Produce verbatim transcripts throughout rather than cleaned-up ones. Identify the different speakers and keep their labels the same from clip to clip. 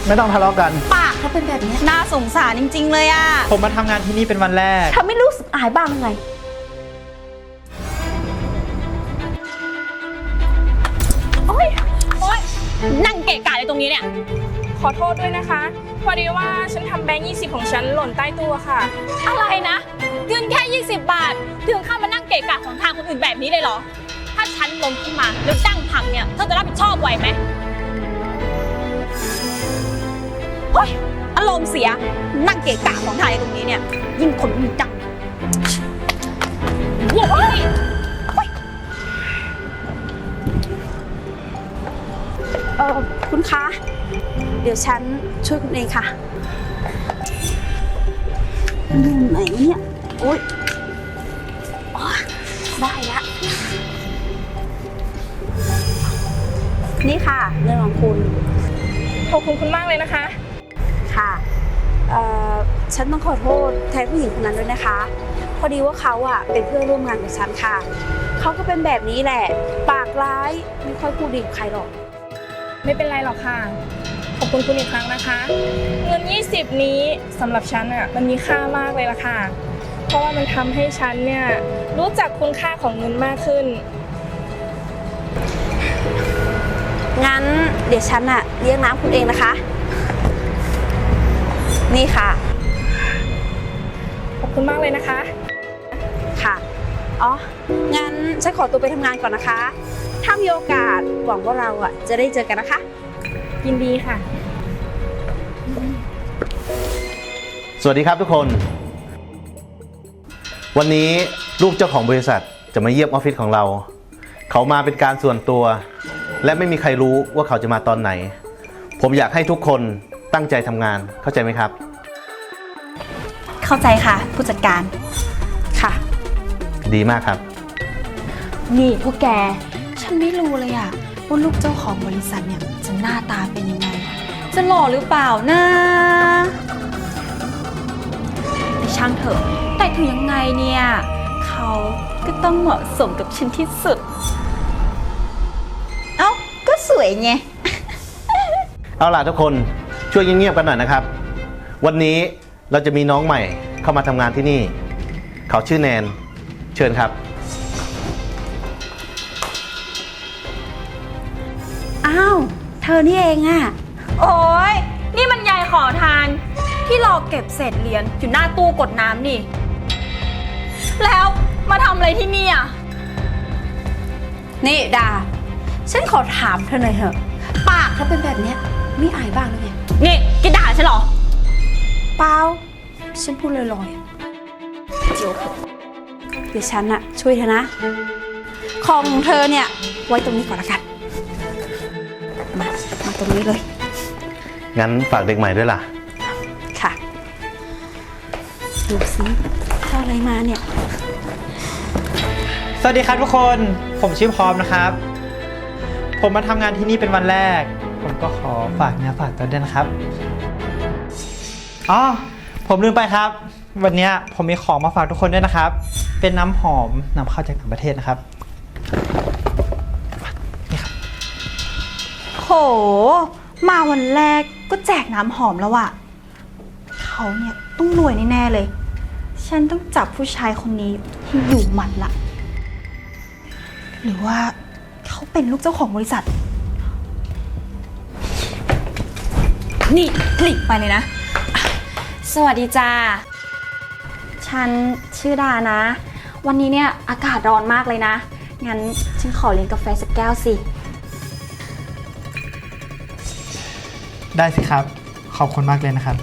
Speaker 1: ไม่ต้องทะเลาะกัน
Speaker 2: ปากเขาเป็นแบบนี้
Speaker 3: น่าสงสารจริงๆเลยอ่ะ
Speaker 1: ผมมาทำงานที่นี่เป็นวันแรก
Speaker 2: เธอไม่รู้สึกอายบ้างไง
Speaker 3: โอ๊ยโอ๊ยนั่งเกะกะอะไรตรงนี้เนี่ย
Speaker 4: ขอโทษด้วยนะคะพอดีว่าฉันทำแบงค์ยี่สิบของฉันหล่นใต้ตัวค่ะ
Speaker 3: อะไรนะเงินแค่ยี่สิบบาทถึงข้ามานั่งเกะกะของทางคนอื่นแบบนี้เลยเหรอถ้าฉันล้มขึ้นมาแล้วดั้งพังเนี่ยเธอจะรับผิดชอบไหวไหมโอ๊ยอารมณ์เสียนั่งเกะกะของทางตรงนี้เนี่ยยิ่งคนมีดังโอ๊ย
Speaker 2: เออคุณคะเดี๋ยวฉันช่วยคุณเองค่ะอยู่ไหนเนี่ยโอ๊ยได้ละนี่ค่ะเงินของคุณ
Speaker 4: ขอบคุณคุณมากเลยนะคะ
Speaker 2: ค่ะเอ่อฉันต้องขอโทษแทนผู้หญิงคนนั้นด้วยนะคะพอดีว่าเขาอะเป็นเพื่อนร่วมงานกับฉันค่ะเขาก็เป็นแบบนี้แหละปากร้ายไม่ค่อยพูดดีกับใครหรอก
Speaker 4: ไม่เป็นไรหรอกค่ะขอบคุณคุณอีกครั้งนะคะเงินยี่สิบนี้สำหรับฉันอ่ะมันมีค่ามากเลยล่ะค่ะเพราะว่ามันทำให้ฉันเนี่ยรู้จักคุณค่าของเงินมากขึ้น
Speaker 2: งั้นเดี๋ยวฉันอะเลี้ยงน้ำคุณเองนะคะนี่ค่ะ
Speaker 4: ขอบคุณมากเลยนะคะ
Speaker 2: ค่ะอ๋องั้นฉันขอตัวไปทำงานก่อนนะคะถ้ามีโอกาสหวังว่าเราอะจะได้เจอกันนะคะ
Speaker 4: ยินดีค่ะ
Speaker 1: สวัสดีครับทุกคนวันนี้ลูกเจ้าของบริษัทจะมาเยี่ยมออฟฟิศของเราเขามาเป็นการส่วนตัวและไม่มีใครรู้ว่าเขาจะมาตอนไหนผมอยากให้ทุกคนตั้งใจทำงานเข้าใจไหมครับ
Speaker 3: เข้าใจค่ะผู้จัดการ
Speaker 2: ค่ะ
Speaker 1: ดีมากครับ
Speaker 3: นี่พวกแกฉันไม่รู้เลยอะว่าลูกเจ้าของบริษัทเนี่ยจะหน้าตาเป็นยังไงจะหล่อหรือเปล่านะแต่ช่างเถอะแต่ถึงยังไงเนี่ยเขาก็ต้องเหมาะสมกับฉันที่สุดเอ้าก็สวยไง
Speaker 1: เอาล่ะทุกคนช่วยเงียบๆกันหน่อยนะครับวันนี้เราจะมีน้องใหม่เข้ามาทำงานที่นี่เขาชื่อแนนเชิญครับ
Speaker 2: อ้าวเธอนี่เองอะ
Speaker 3: โอ้ยนี่มันยายขอทานที่รอเก็บเศษเหรียญอยู่หน้าตู้กดน้ำนี่แล้วมาทำอะไรที่นี่อ่ะ
Speaker 2: นี่ดาฉันขอถามเธอหน่อยเถอะปากเขาเป็นแบบเนี้ยไม่อายบ้างหรือไง
Speaker 3: นี่แกด่าฉันเหรอ
Speaker 2: เปล่าฉันพูดลอยๆเดี๋ยวเดี๋ยวฉันอะช่วยเธอนะของเธอเนี่ยไว้ตรงนี้ก่อนละกันมามาตรงนี้เลย
Speaker 1: งั้นฝากเด็กใหม่ด้วยล่ะ
Speaker 2: ค่ะดูสิเท่าอะไรมาเนี่ย
Speaker 5: สวัสดีครับทุกคนผมชื่อพร้อมนะครับผมมาทำงานที่นี่เป็นวันแรกผมก็ขอฝากเนื้อฝากตัวด้วยนะครับอ๋อผมลืมไปครับวันนี้ผมมีของมาฝากทุกคนด้วยนะครับเป็นน้ำหอมนำเข้าจากต่างประเทศนะครับนี่ครับ
Speaker 3: โหมาวันแรกก็แจกน้ำหอมแล้วอะเขาเนี่ยต้องรวยแน่ๆเลยฉันต้องจับผู้ชายคนนี้ให้อยู่หมัดละหรือว่าเขาเป็นลูกเจ้าของบริษัทนี่หลีกไปเลยนะสวัสดีจ้าฉันชื่อดานะวันนี้เนี่ยอากาศร้อนมากเลยนะงั้นฉันขอเลี้ยงกาแฟสักแก้วสิ
Speaker 5: ได้สิครับขอบคุณมากเลยนะครับ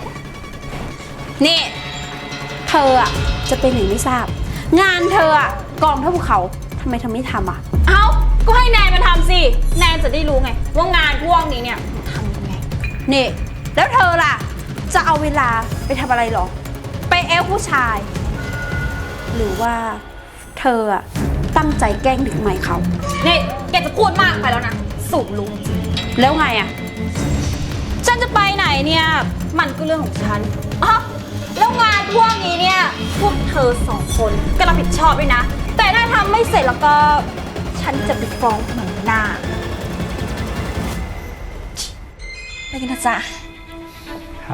Speaker 2: นี่เธออะจะเป็นไหนไม่ทราบงานเธออะกองเท่าภูเขาทำไมเธอไม่ทำอะ
Speaker 3: เอ้าก็ให้แนนมาทำสิแนนจะได้รู้ไงว่างานพวกนี้เนี่ยทำยังไง
Speaker 2: นี่แล้วเธอล่ะจะเอาเวลาไปทำอะไรหรอไปแอลผู้ชายหรือว่าเธออะตั้งใจแกล้งเด็กใหม่เขา
Speaker 3: นี่แกจะพูดมากไปแล้วนะสูงลุงจริง
Speaker 2: แล้วไงอะ
Speaker 3: ฉันจะไปไหนเนี่ยมันก็เรื่องของฉันอ๋อแล้วงานพวกนี้เนี่ยพวกเธอสองคนก็รับผิดชอบด้วยนะแต่ถ้าทำไม่เสร็จแล้วก็ฉันจะไปฟ้องหัวหน้า
Speaker 2: ไปกันนะจ๊ะ
Speaker 5: ครับ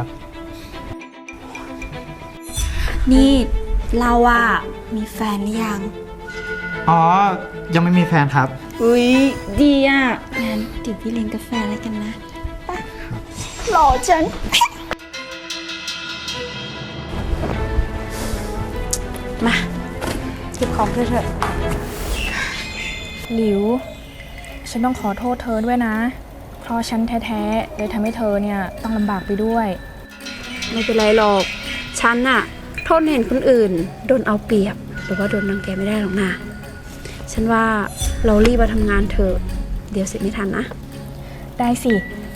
Speaker 2: นี่เราอะมีแฟนหรือยัง
Speaker 5: อ๋อ ยังไม่มีแฟนครับ
Speaker 2: อุ้ยดีอะงั้นเดี๋ยวพี่เลี้ยงกาแฟอะไรกันนะไปหล่อจัง มาเก็บของเธอเถอะ
Speaker 4: หลิว ฉันต้องขอโทษเธอด้วยนะ เพราะฉันแท้ๆเลยทำให้เธอเนี่ยต้องลำบากไปด้วย
Speaker 2: ไม่เป็นไรหรอก ฉันน่ะโทษเห็นคนอื่น โดนเอาเปรียบ หรือว่าโดนรังแกไม่ได้หรอกนะ ฉันว่าเรารีบมาทำงานเถอะ เดี๋ยวเสร็จไม่ทันนะ
Speaker 4: ได้สิ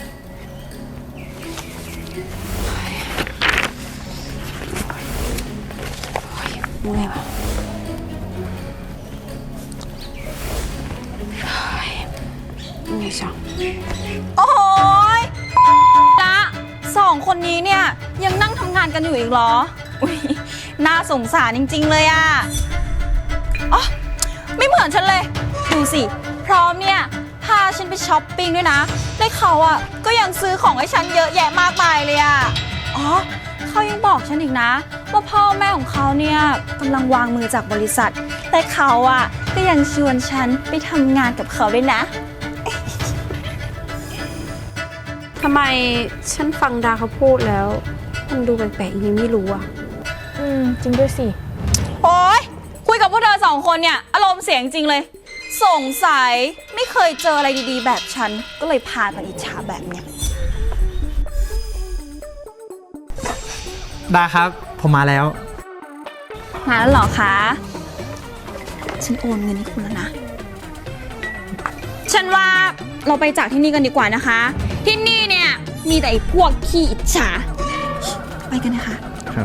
Speaker 2: เมื่อไงวะเมื่อไงจัง
Speaker 3: โอ้ยละสองคนนี้เนี่ยยังนั่งทำงานกันอยู่อีกเหรอ อุ้ยน่าสงสารจริงๆเลยอะอ๋อไม่เหมือนฉันเลย ดูสิ พร้อมเนี่ยพาฉันไปช้อปปิ้งด้วยนะและเขาอะก็ยังซื้อของให้ฉันเยอะแยะมากมายเลยอะอ๋อเขายังบอกฉันอีกนะ ว่าพ่อแม่ของเขาเนี่ยกำลังวางมือจากบริษัท แต่เขาอะก็ยังชวนฉันไปทำงานกับเขาด้วยนะ
Speaker 2: ทำไมฉันฟังดาเขาพูดแล้ว มันดูแปลกๆยังไงไม่รู้อ่ะ
Speaker 4: อืม จริงด้วยสิ
Speaker 3: โอ๊ยคุยกับพวกเธอสองคนเนี่ยอารมณ์เสียจริงเลย สงสัยไม่เคยเจออะไรดีๆ แบบฉัน ก็เลยพากันอิจฉาแบบเนี้ย
Speaker 5: ดาครับ ผมมาแล้ว
Speaker 3: มาแล้วเหรอคะ ฉันโอนเงินให้คุณแล้วนะ ฉันว่าเราไปจากที่นี่กันดีกว่านะคะ ที่นี่เนี่ยมีแต่ไอ้พวกขี้อิจฉา ไปกันนะคะ
Speaker 1: ครับ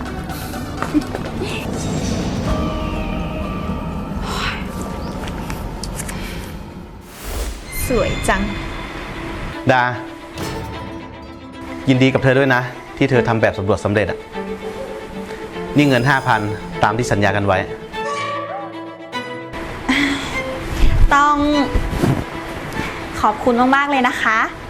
Speaker 3: สวยจัง
Speaker 1: ดา ยินดีกับเธอด้วยนะ ที่เธอทำแบบสำรวจสำเร็จอะนี่เงิน ห้าพัน ตามที่สัญญากันไว้
Speaker 3: ต้องขอบคุณมากๆเลยนะคะ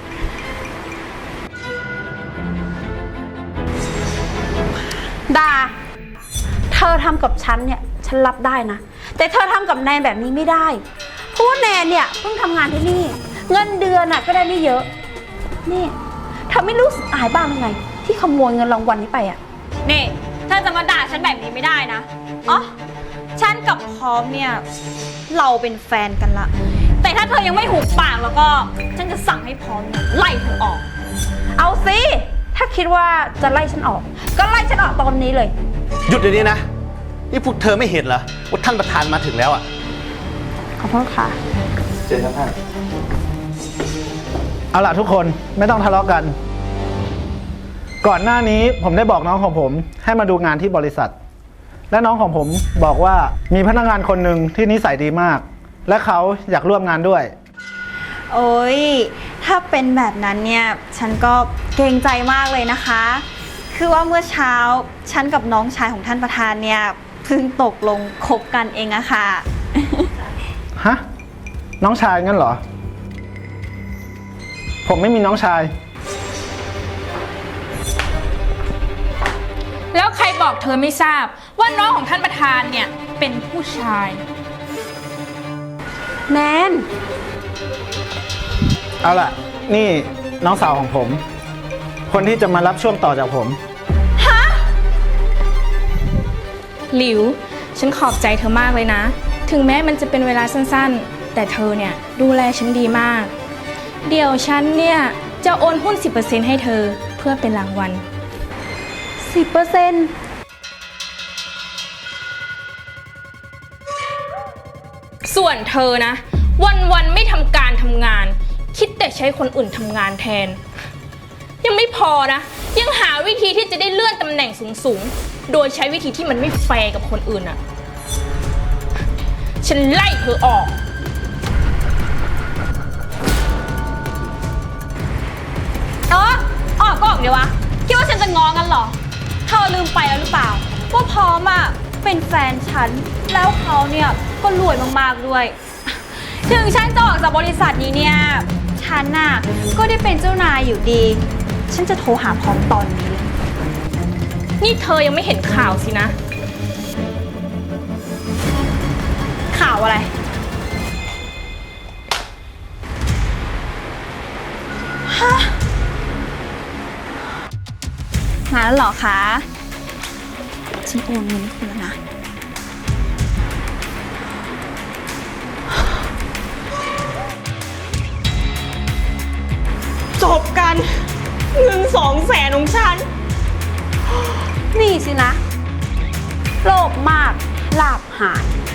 Speaker 2: ดา เธอทำกับฉันเนี่ยฉันรับได้นะ แต่เธอทำกับแนนแบบนี้ไม่ได้ เพราะว่าแนนเนี่ยเพิ่งทำงานที่นี่ เงินเดือนน่ะก็ได้ไม่เยอะ นี่เธอไม่รู้สึกอายบ้างยังไง ที่ขโมยเงินรางวัลนี้ไปอ่ะ
Speaker 3: นี่เธอจะมาด่าฉันแบบนี้ไม่ได้นะ อ๋อ ฉันกับพร้อมเนี่ยเราเป็นแฟนกันละ แต่ถ้าเธอยังไม่หุบปากแล้วก็ฉันจะสั่งให้พร้อมเนี่ยไล่เธอออก
Speaker 2: เอาสิ ถ้าคิดว่าจะไล่ฉันออก ก็ไล่ฉันออกตอนนี้เลย
Speaker 1: หยุดเดี๋ยวนี้นะ นี่พวกเธอไม่เห็นเหรอว่าท่านประธานมาถึงแล้วอะ
Speaker 2: ขอโทษค่ะ
Speaker 1: เจอครับท่าน
Speaker 6: เอาล่ะทุกคนไม่ต้องทะเลาะกัน ก่อนหน้านี้ผมได้บอกน้องของผมให้มาดูงานที่บริษัท และน้องของผมบอกว่ามีพนักงานคนหนึ่งที่นิสัยดีมาก และเขาอยากร่วมงานด้วย
Speaker 3: โอ้ยถ้าเป็นแบบนั้นเนี่ยฉันก็เกรงใจมากเลยนะคะ คือว่าเมื่อเช้าฉันกับน้องชายของท่านประธานเนี่ยเพิ่งตกลงคบกันเองอะค่ะ
Speaker 6: ฮะ น้องชายงั้นเหรอ ผมไม่มีน้องชาย
Speaker 4: แล้วใครบอกเธอไม่ทราบว่าน้องของท่านประธานเนี่ยเป็นผู้ชาย
Speaker 2: แนน
Speaker 6: เอาล่ะ นี่น้องสาวของผม คนที่จะมารับช่วงต่อจากผม
Speaker 4: หลิว ฉันขอบใจเธอมากเลยนะ ถึงแม้มันจะเป็นเวลาสั้นๆ แต่เธอเนี่ยดูแลฉันดีมาก เดี๋ยวฉันเนี่ยจะโอนหุ้น สิบเปอร์เซ็นต์ ให้เธอเพื่อเป็นรางวัล
Speaker 2: สิบเปอร์เซ็นต์
Speaker 4: ส่วนเธอนะ วันๆไม่ทำการทำงาน คิดแต่ใช้คนอื่นทำงานแทน ยังไม่พอนะ ยังหาวิธีที่จะได้เลื่อนตำแหน่งสูงๆ โดยใช้วิธีที่มันไม่แฟร์กับคนอื่นอะฉันไล่เธอออก
Speaker 3: เออออกก็ออกเดี๋ยววะ คิดว่าฉันจะง้อกันเหรอ เธอลืมไปแล้วหรือเปล่า ว่าพร้อมอ่ะเป็นแฟนฉัน แล้วเขาเนี่ยก็รวยมากๆด้วย ถึงฉันจะออกจากบริษัทนี้เนี่ย ฉฉันน่ะก็ได้เป็นเจ้านายอยู่ดี ฉันจะโทรหาพร้อมตอนนี้เลย
Speaker 4: นี่เธอยังไม่เห็นข่าวสินะ
Speaker 3: ข่าวอะไร ฮะมาแล้วเหรอคะ ฉันโอนเงินให้คุณแล้วนะ
Speaker 4: จบกัน เงินสองแสนของฉัน
Speaker 2: นี่สินะ โลภมาก ลาภหาย